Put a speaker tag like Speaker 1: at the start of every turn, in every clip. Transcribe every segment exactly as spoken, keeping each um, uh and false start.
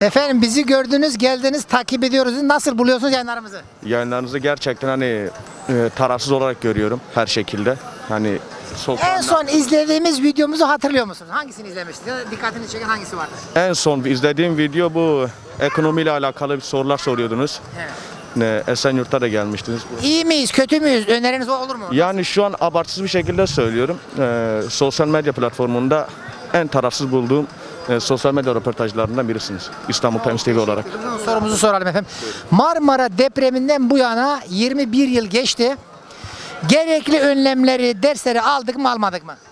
Speaker 1: Efendim bizi gördünüz, geldiniz, takip ediyoruz. Nasıl buluyorsunuz yayınlarımızı?
Speaker 2: Yayınlarınızı gerçekten hani e, tarafsız olarak görüyorum her şekilde. Hani sosyal
Speaker 1: En son izlediğimiz videomuzu hatırlıyor musunuz? Hangisini izlemiştiniz? Ya da dikkatini çeken hangisi vardı?
Speaker 2: en son izlediğim video bu ekonomiyle alakalı bir sorular soruyordunuz.
Speaker 1: Evet.
Speaker 2: Ne, Esenyurt'ta da gelmiştiniz.
Speaker 1: İyi miyiz, kötü müyüz? Öneriniz olur mu?
Speaker 2: Yani şu an abartısız bir şekilde söylüyorum. E, sosyal medya platformunda en tarafsız bulduğum e, sosyal medya röportajlarından birisiniz. İstanbul Times T V olarak.
Speaker 1: Sorumuzu soralım efendim. Marmara depreminden bu yana yirmi bir yıl geçti. Gerekli önlemleri, dersleri aldık mı almadık mı?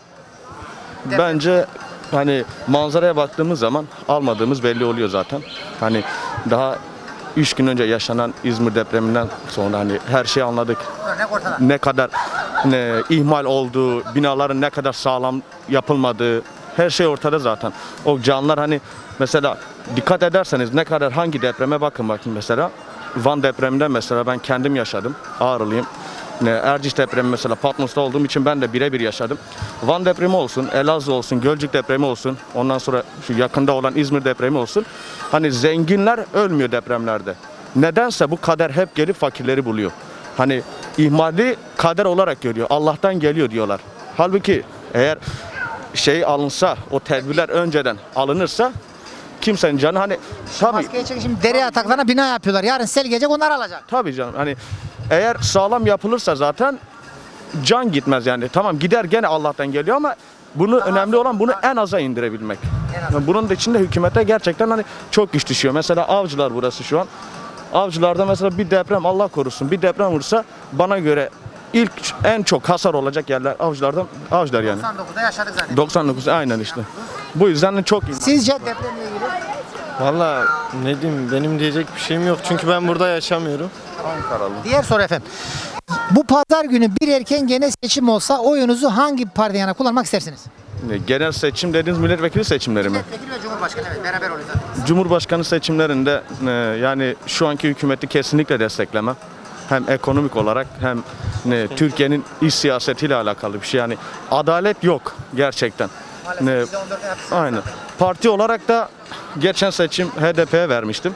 Speaker 2: Bence hani manzaraya baktığımız zaman almadığımız belli oluyor zaten. Hani daha üç gün önce yaşanan İzmir depreminden sonra hani her şeyi anladık.
Speaker 1: Örnek ortada.
Speaker 2: Ne kadar ne, ihmal olduğu, binaların ne kadar sağlam yapılmadığı, her şey ortada zaten. O canlar hani mesela dikkat ederseniz ne kadar hangi depreme bakın bakın mesela. Van depreminden mesela ben kendim yaşadım. Ağrılıyım. Ne, Erciş depremi mesela Patmos'ta olduğum için ben de birebir yaşadım. Van depremi olsun, Elazığ olsun, Gölcük depremi olsun, ondan sonra şu yakında olan İzmir depremi olsun. Hani zenginler ölmüyor depremlerde. Nedense bu kader hep gelip fakirleri buluyor. Hani ihmali kader olarak görüyor. Allah'tan geliyor diyorlar. Halbuki eğer şey alınsa, o tedbirler önceden alınırsa kimsenin canı hani tabii
Speaker 1: Maskeye çekin, şimdi dere yataklarına bina yapıyorlar. Yarın sel gelecek, onlar alacak.
Speaker 2: tabii canım hani eğer sağlam yapılırsa zaten can gitmez yani. Tamam gider gene Allah'tan geliyor ama bunu önemli olan bunu en aza indirebilmek. Yani bunun da içinde hükümete gerçekten hani çok güç düşüyor. Mesela Avcılar burası şu an. Avcılarda mesela bir deprem Allah korusun bir deprem vursa bana göre ilk en çok hasar olacak yerler Avcılardan Avcılar yani.
Speaker 1: doksan dokuzda yaşadık zaten.
Speaker 2: doksan dokuz aynen işte. Bu yüzden de çok iyi.
Speaker 1: Sizce depremle ilgili?
Speaker 3: Valla ne diyeyim benim diyecek bir şeyim yok çünkü ben burada yaşamıyorum.
Speaker 1: Diğer soru efendim. Bu pazar günü bir erken genel seçim olsa oyunuzu hangi partiye yana kullanmak istersiniz?
Speaker 2: Genel seçim dediğiniz milletvekili seçimleri mi?
Speaker 1: Milletvekili ve Cumhurbaşkanı, evet, beraber oluyor zaten.
Speaker 2: Cumhurbaşkanı seçimlerinde e, yani şu anki hükümeti kesinlikle desteklemem. Hem ekonomik olarak hem ne, Türkiye'nin iç siyasetiyle alakalı bir şey. Yani adalet yok gerçekten. Ne,
Speaker 1: Maalesef yüzde on dört yapsın.
Speaker 2: aynen. Parti olarak da geçen seçim H D P'ye vermiştim.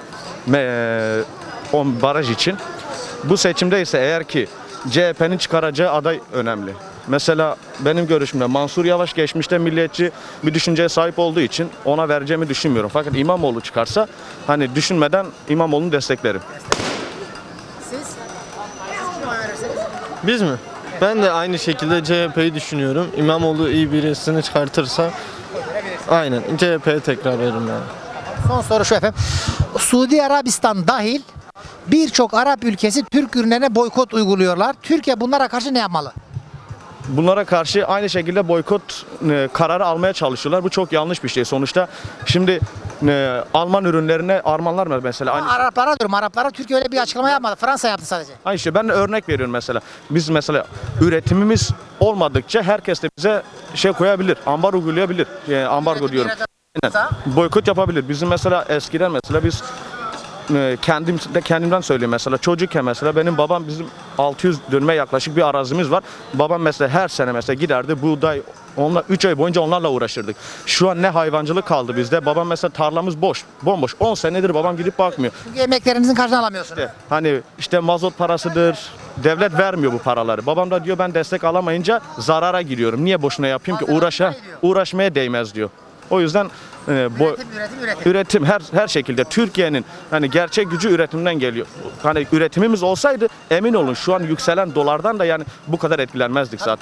Speaker 2: E, on baraj için. Bu seçimde ise eğer ki C H P'nin çıkaracağı aday önemli. Mesela benim görüşümde Mansur Yavaş geçmişte milliyetçi bir düşünceye sahip olduğu için ona vereceğimi düşünmüyorum. Fakat İmamoğlu çıkarsa hani düşünmeden İmamoğlu'nu desteklerim.
Speaker 1: Siz? Siz kime oy verirsiniz?
Speaker 3: Biz mi? Ben de aynı şekilde C H P'yi düşünüyorum. İmamoğlu iyi birisini çıkartırsa aynen C H P'ye tekrar veririm yani.
Speaker 1: Son soru şu efendim. Suudi Arabistan dahil birçok Arap ülkesi Türk ürünlerine boykot uyguluyorlar. Türkiye bunlara karşı ne yapmalı?
Speaker 2: Bunlara karşı aynı şekilde boykot e, kararı almaya çalışıyorlar. Bu çok yanlış bir şey. Sonuçta şimdi e, Alman ürünlerine Almanlar mı mesela aynı şey.
Speaker 1: Araplara diyorum. Araplara Türkiye öyle bir açıklama yapmadı. Fransa yaptı sadece.
Speaker 2: Aynı şey. Ben de örnek veriyorum mesela. Biz mesela üretimimiz olmadıkça herkes de bize şey koyabilir. Ambar uygulayabilir. Yani ambargo diyorum. Aynen. Boykot yapabilir. Bizim mesela eskiden mesela biz e, kendim de kendimden söyleyeyim mesela çocukken mesela benim babam bizim altı yüz dönüme yaklaşık bir arazimiz var. Babam mesela her sene mesela giderdi buğday onunla üç ay boyunca onlarla uğraşırdık. Şu an ne hayvancılık kaldı bizde. Babam mesela tarlamız boş, bomboş. on senedir babam gidip bakmıyor.
Speaker 1: Çünkü emeklerinizin karşılığını alamıyorsunuz.
Speaker 2: İşte, hani işte mazot parasıdır. Devlet vermiyor bu paraları. Babam da diyor ben destek alamayınca zarara giriyorum. Niye boşuna yapayım ki? Uğraşa uğraşmaya değmez diyor. O yüzden e, bu
Speaker 1: Üretim, üretim, üretim.
Speaker 2: üretim her her şekilde Türkiye'nin hani gerçek gücü üretimden geliyor. Hani üretimimiz olsaydı emin olun şu an yükselen dolardan da yani bu kadar etkilenmezdik zaten.